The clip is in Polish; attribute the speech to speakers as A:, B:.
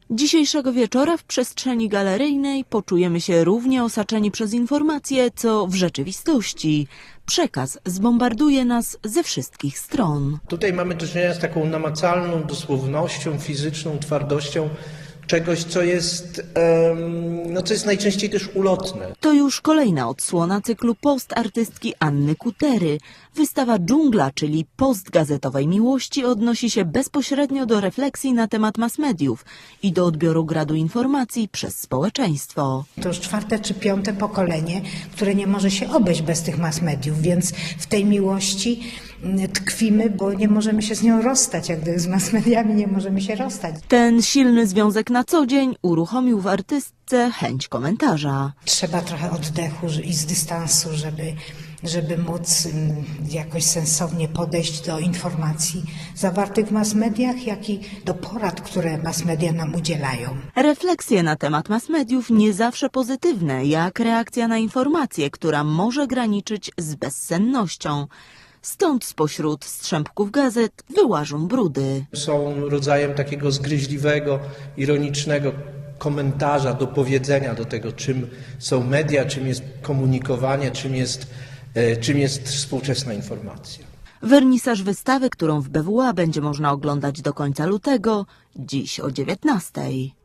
A: Dzisiejszego wieczora w przestrzeni galeryjnej poczujemy się równie osaczeni przez informacje, co w rzeczywistości. Przekaz zbombarduje nas ze wszystkich stron.
B: Tutaj mamy do czynienia z taką namacalną dosłownością, fizyczną twardością czegoś, co jest najczęściej też ulotne.
A: To już kolejna odsłona cyklu post artystki Anny Kutery. Wystawa Dżungla, czyli post gazetowej miłości, odnosi się bezpośrednio do refleksji na temat mass mediów i do odbioru gradu informacji przez społeczeństwo.
C: To już 4. czy 5. pokolenie, które nie może się obejść bez tych mass mediów, więc w tej miłości tkwimy, bo nie możemy się z nią rozstać, jak gdyby z mass mediami nie możemy się rozstać.
A: Ten silny związek na co dzień uruchomił w artystce chęć komentarza.
C: Trzeba trochę oddechu i z dystansu, żeby móc jakoś sensownie podejść do informacji zawartych w mass mediach, jak i do porad, które mass media nam udzielają.
A: Refleksje na temat mass mediów nie zawsze pozytywne, jak reakcja na informację, która może graniczyć z bezsennością. Stąd spośród strzępków gazet wyłażą brudy.
B: Są rodzajem takiego zgryźliwego, ironicznego komentarza, dopowiedzenia do tego, czym są media, czym jest komunikowanie, czym jest współczesna informacja.
A: Wernisaż wystawy, którą w BWA będzie można oglądać do końca lutego, dziś o 19:00.